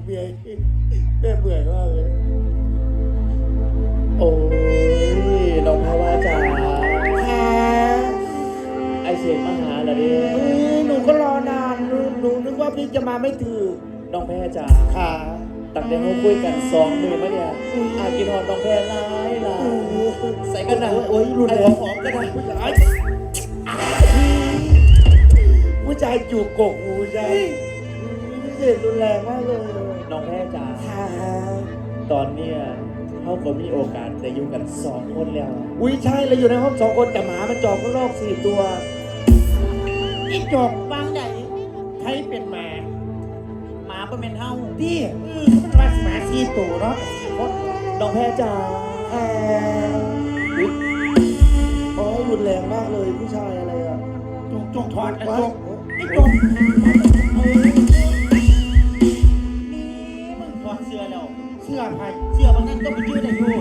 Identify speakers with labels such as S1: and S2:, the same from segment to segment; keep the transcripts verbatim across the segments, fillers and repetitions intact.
S1: เมียแม่เบื่อมากเลย
S2: โอ้ยน้องแพรว่าจ๋า
S1: ค่ะ
S2: ไอเสียงมาหาเหรอเนี่ย
S1: หนูก็รอนานหนูหนูนึกว่าพี่จะมาไม่ถึง
S2: น้องแพรจ๋า
S1: ค่ะ
S2: ตั้งแต่เขาคุยกันสองมือมาเนี่ยอากินหอมน้องแพรร้ายร้ายใส่กันหนัง
S1: โอ้ยรุนแรง
S2: หอมกันนะผู้ชาย
S1: ผู้ชายจูบกกหูใจเสียงรุนแรงมากเลย
S2: น้องแพรจ๋า
S1: ค่ะ
S2: ตอนเนี้ยเขาก็มีโอกาสได้อยู่กันสองคนแล้ว
S1: อุ้ยใช่เราอยู่ในห้องสองคนแต่หมามันจอกข้างนอกสี่ตัวอีจอกวางใหญ่ใครเป็นหมา
S2: หมาเป็นเมนเฮา
S1: พี่เออมันรักหมาสี่ตัวเนาะ
S2: น้องแพรจ๋า
S1: แอบโอ้ยรุนแรงมากเลยผู้ชายอะไรอ่ะ
S3: จงจงถอดไอ้จงไอ้จง
S2: นี่มึงถอดเสื้อแล้ว
S3: เสื้อไผ่
S2: เสื้อบางนั้นก็ไปยืดได้อยู่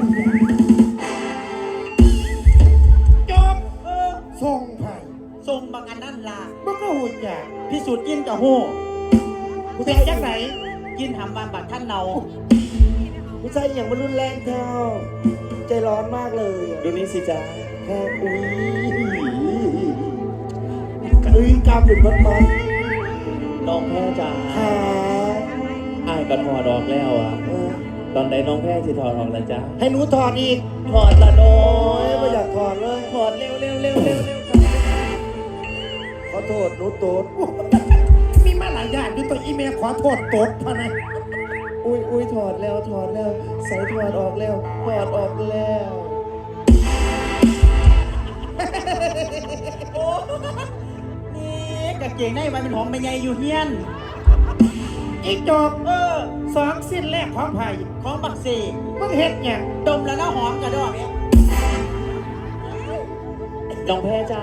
S3: จงเออทรงไผ่
S2: ทรงบางอันนั่นล่ะ
S3: มันก็หุ่นใหญ่
S2: พิสูจน์กินกับโห
S3: เป็นจังไหน
S2: กินหำบานบาดท่านเนา
S1: ผู้ชายอย่างมันรุนแรงเท่าใจร้อนมากเลย
S2: ดูนี่สิจ้า
S1: แค่อุ้ยอุ้ยกล้ามเป็นมัดมัด
S2: น้องแพรจ๋า
S1: ค่ะ
S2: อ้ายก็ถอดออกแล้วอ่ะตอนไหนน้องแพรสิถอดออกแล้วจ้า
S1: ให้หนูถอดอีก
S2: ถอดละโน้
S1: ยไม่อยากถอดเลย
S2: ถอดเร็วเร็วเร็วเร็วเร็ว
S1: ขอโทษหนูโตด
S3: มีมาหลายอย่างด้วยตัวอีเมลขอโทษโตดพะนะ
S2: อุ้ยอุ้ยถอดแล้วถอดแล้วใส่ถอดออกแล้วถอดออกแล้วโอ้นี่กางเกงในมันเป็นของแม่ใหญ่อยู่เฮียน
S3: อีจบเออสองสิ้นแรกของไผ่
S2: ของบักเสก
S3: มึงเฮ็ดเนี่ย
S2: ดมแล้วน่าหอมกระดอกเนี่ยน้องแพรจ้า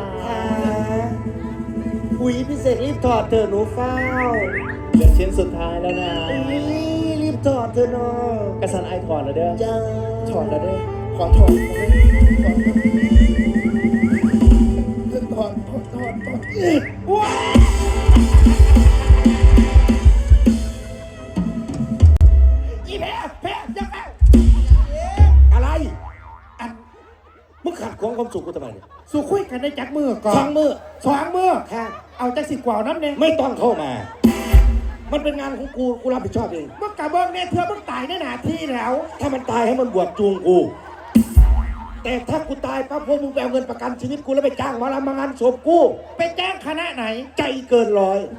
S1: อุ้ยพี่เสกรีบถอดเถอะหนูเฝ้า
S2: เหลือชิ้นสุดท้ายแล้วนะ
S1: รีบถอดเถอะน้อง
S2: กระสันไอถอดแล้วเด้อ
S1: จ้า
S2: ถอดแล้วเด้อ
S1: ขอถอดถอดถอดถอดถอด
S3: ว้าอีแพ้แพ้ยังไง
S1: อะไรอันมึงขัดขวางความสุขกูทำไมเนี่ย
S3: สู้คุยกันได้จักมือก่อน
S1: สองมือ
S3: สองมือ
S1: ค่ะ
S3: เอาจักสิกว่าน้ำเนี่ย
S1: ไม่ต้องเข้ามามันเป็นงานของกูกูรับผิดชอบเอง
S3: มึงกะเบิ้งเนี่ยเธอมึงตายในหน้าที่แล้ว
S1: ถ้ามันตายให้มันบวชจูงกูแต่ถ้ากูตายปั๊บพวกมึงไปเอาเงินประกันชีวิตกูแล้วไปจ้างมาละมางานศพกู
S3: ไปแจ้งคณะไหน
S1: ใจเกินร้อย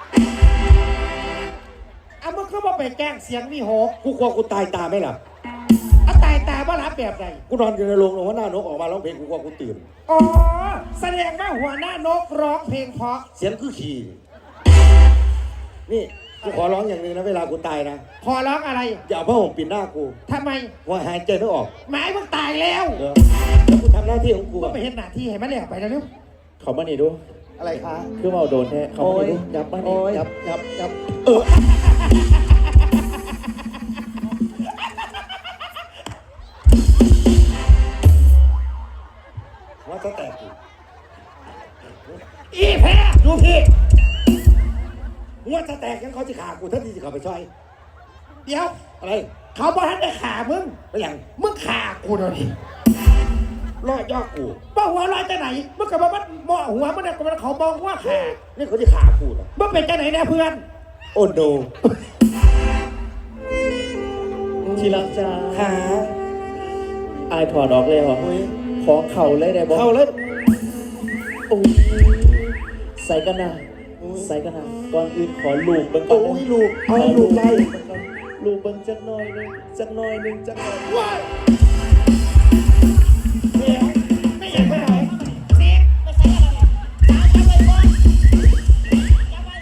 S3: เอามึงก็มาไปแจ้งเสียงวิหก
S1: กูกลัวกูตายตาไม่หลับ
S3: เอาตายตาว่ารับแบบไหน
S1: กูนอนอยู่ในโรงหัวหน้านกออกมาร้องเพลงกูกลัวกูตื่น
S3: อ๋อแสดงว่าหัวหน้านกร้องเพลงเพราะ
S1: เสียงคือขี่นี่กูขอร้องอย่างนึงนะเวลากูตายนะ
S3: ขอร้องอะไร
S1: อย่าเอาผ้าห่มปิดหน้ากู
S3: ทำไม
S1: ว่าหายใจไม่ออก
S3: หมายมึงตายแล้ว
S1: แล้วกูทำหน้าที่ของกู
S3: ก็ไปเห็นหน้าที่ให้มันแล้วไปแล้วเร็ว
S2: เขามาหนีดู
S1: อะไรคะ
S2: คือเมาโดนแท้เขามาหนีดูยับมาหนียับยับยับเออ
S1: ว่าจะแตกกู
S3: อีแพ้
S1: ดูพี่ว่าจะแตกยังเขาจะขากูท่านที่จะเข้าไปช่วย
S3: เดี๋ยว
S1: อะไร
S3: เขาบอกให้ได้ขามึง
S1: ไปยัง
S3: มึงขากูหน่อย
S1: รอดยอดกู
S3: บ้าหัวลอยจะไหนมึงกับมันมองหัวมันเนี่ยมันเขามองว่าขา
S1: นี่เขาจะขากูนะ
S3: มึงเป็นจะไหนเนี่ยเพื่อน
S1: โอ้โน
S2: ทีรักจ้า
S1: ขา
S2: ไอถอดออกเลยเหรอขอเข่าเลยได้บอก
S1: เข่าเลย
S2: โอ้ยใส่กันนะใส่กันนะก่อนอื่นขอลูกเบิ้งก่อน
S1: โอ้ยลูกเอาลูกไล่
S2: ลูกเบิ้งจักหน่อยนึงจักหน่อยนึงจักหน่อย
S3: ว้ายเดี๋ยวไม่อยากไปไหนเสียไปใส่อะไรตามจับไปก่อนจับไป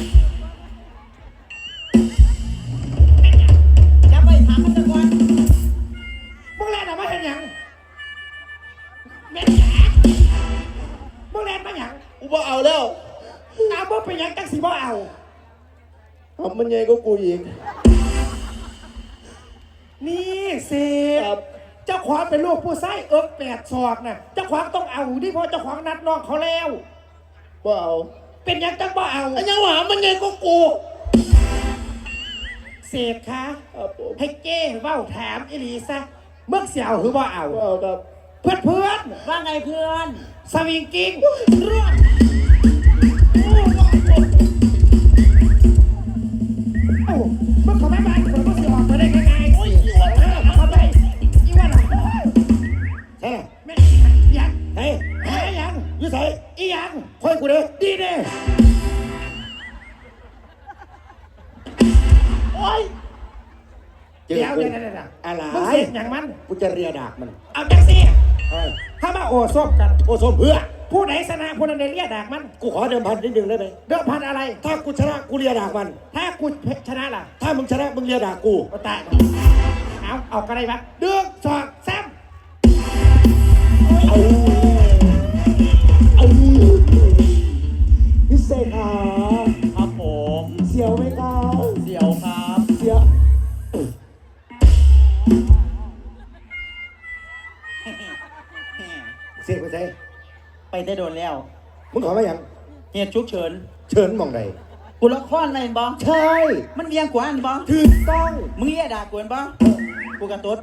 S3: จับไปถามมันก่อนมึงแล่นออกมาเห็นยังแม่จ๋ามึงแล่นมาอย่าง
S1: กูบ่เอาแล้ว
S3: อาบ่เป็นยังจังสิบ่เอา
S1: ทำมันใหญ่ก็กูอีก
S3: นี่เสียเจ้าขวางเป็นลูกผู้ไส้เอิ๊กแปดศอกน่ะเจ้าขวางต้องเอาดิเพราะเจ้าขวางนัดน้องเขาแล้ว
S1: บ่เอา
S3: เป็นยังจังบ่เอา
S1: ไอ้ยังหวามันใหญ่ก็กู
S3: เสกคะ
S2: ครับผม
S3: ให้เก้เว้าถามอิลีซะเมื่อเสียวหรือว่าเอา
S2: เอาครับ
S3: เพื่อนเพื่อน
S1: ว่าไงเพื่อน
S3: สวิงกิ้งเรื่องเอ้าเมื่อเขาไม่มาคนก็เสียออกมาได้ง่ายๆโอ้ยอีวันนะเขาไปอีวันนะ
S1: ใช่ไหม
S3: แม่ยัง
S1: เฮ้ย
S3: หายัง
S1: อยู่ใส่
S3: อียัง
S1: ค่อยกูเด้อ
S3: ดีเด้โอ้ย
S1: เจอ
S3: เดี๋ยว
S1: กู
S3: เดี๋ยวเดี๋ยวเดี๋ยว
S1: อะไร
S3: มึงเสียงอย่างมัน
S1: กูจะเรียดากมัน
S3: เอาจังสิ
S1: เฮ้ย
S3: ถ้ามาโอ้ซบกัน
S1: โอ้สมเพื่อ
S3: ผู้ไหนชนะผู้นั้นได้เรียกดากมัน
S1: กูขอเดิมพันนิดนึงได้ไหม
S3: เดิมพันอะไร
S1: ถ้ากูชนะกูเรียดากมัน
S3: ถ้ากูชนะล่ะ
S1: ถ้ามึงชนะมึงเรียดากกู
S3: ก็ตายเอาเอากันได้ปะเดือกสอดแซม
S2: เอาเอาพิเศษครับ
S4: ครับผม
S2: เสียวไหมครับ
S4: เสี่ยวครับ
S2: เสียว
S1: เสียไปใส่
S4: ไปได้โดนแล้ว
S1: มึงขอมาอย่าง
S4: เหตุฉุกเฉิน
S1: เชิญมองใด
S4: กูละครอะไรบอ
S1: ใช่
S4: มันเวียงกว่าอันบอ
S1: ถูกต้อง
S4: มึงเรียกด่ากวนบอกูกระตุ้ด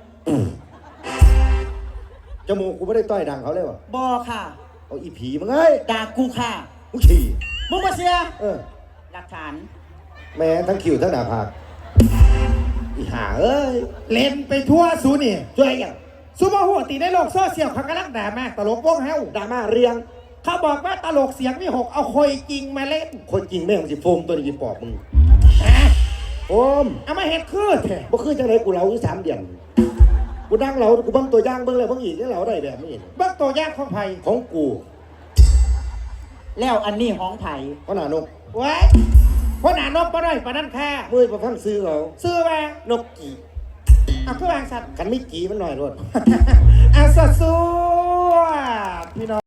S1: จมูกกูไม่ได้ต้อยดังเขาเลยวะ
S4: บอค่ะ
S1: เอาอีผีมึงเอ้ย
S4: ด่ากูค่ะ
S1: มึงฉี่
S4: มึงมาเสีย
S1: เออ
S4: หลักฐาน
S1: แม้ทั้งคิวทั้งหน้าผากอีห่าเอ้ย
S3: เล่นไปทั่วสูนี่
S1: ช่วยอย่าง
S3: ซูเปอร์หัวตีในโลกโซเชียลเขากำลังด่ามากตลกวงเฮา
S1: ดราม่าเรียง
S3: เขาบอกว่าตลกเสียงวิหกเอาคอยจริงมาเล่น
S1: คนจริงแม่งสิโฟมตัวนี้ปอบมึง
S3: ฮะ
S1: โฟม
S3: เอามาเห็ดคืดเถอะ
S1: บ่คือจังไรกูเหลาอยู่สามเดือนกูนั่งเหลากูเบิ่งตัวอย่างเบิ่งเลยเบิ่งอีกนี่เหลาได้แบบนี้
S3: เบิ้งตัวอย่างของไผ่
S1: ของกู
S4: แล้วอันนี้ห้องไผ่
S1: เพราะหน้านก
S3: ไว้เพราะหนานกมาได้ปานนั้นแค่
S1: มือประพังซื้อเขา
S3: ซื้อมาน
S1: กกี่
S3: เอาคือวางสัตว์
S1: กันไม่กี่มันหน่อยรถ
S3: เอาสดส